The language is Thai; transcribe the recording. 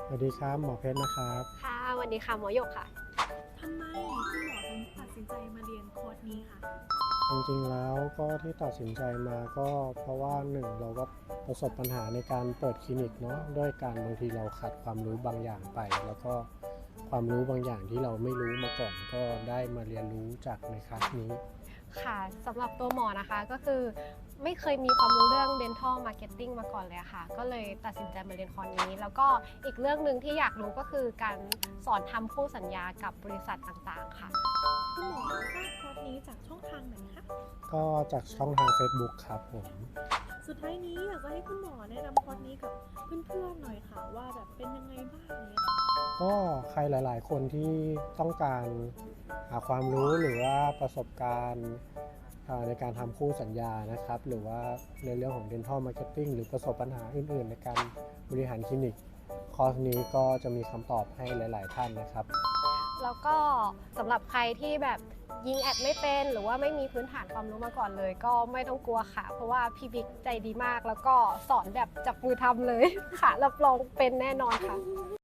สวัสดีครับหมอเพชรนะครับค่ะสวัสดีค่ะหมอหยกค่ะทำไมคุณหมอถึงตัดสินใจมาเรียนคอร์สนี้คะจริงๆแล้วก็ที่ตัดสินใจมาก็เพราะว่าหนึ่งเราก็ประสบปัญหาในการเปิดคลินิกเนาะด้วยการบางทีเราขาดความรู้บางอย่างไปแล้วก็ความรู้บางอย่างที่เราไม่รู้มาก่อนก็ได้มาเรียนรู้จากในคลาสนี้ค่ะสำหรับตัวหมอนะคะก็คือไม่เคยมีความรู้เรื่อง dental marketing มาก่อนเลยค่ะก็เลยตัดสินใจมาเรียนคอร์สนี้แล้วก็อีกเรื่องหนึ่งที่อยากรู้ก็คือการสอนทำคู่สัญญากับบริษัทต่างๆค่ะคุณหมอทราบคอร์สนี้จากช่องทางไหนคะก็จากช่องทาง Facebook ครับผมสุดท้ายนี้อยากจะให้คุณหมอแนะนำคอร์สนี้กับเพื่อนๆหน่อยค่ะว่าแบบเป็นยังไงบ้างเนี่ยค่ะก็ใครหลายๆคนที่ต้องการหาความรู้หรือว่าประสบการณ์ในการทำคู่สัญญานะครับหรือว่าในเรื่องของ Dental Marketing หรือประสบปัญหาอื่นๆในการบริหารคลินิกคอร์สนี้ก็จะมีคำตอบให้หลายๆท่านนะครับแล้วก็สำหรับใครที่แบบยิงแอดไม่เป็นหรือว่าไม่มีพื้นฐานความรู้มาก่อนเลยก็ไม่ต้องกลัวค่ะเพราะว่าพี่บิ๊กใจดีมากแล้วก็สอนแบบจับมือทำเลยค่ะรับรองเป็นแน่นอนค่ะ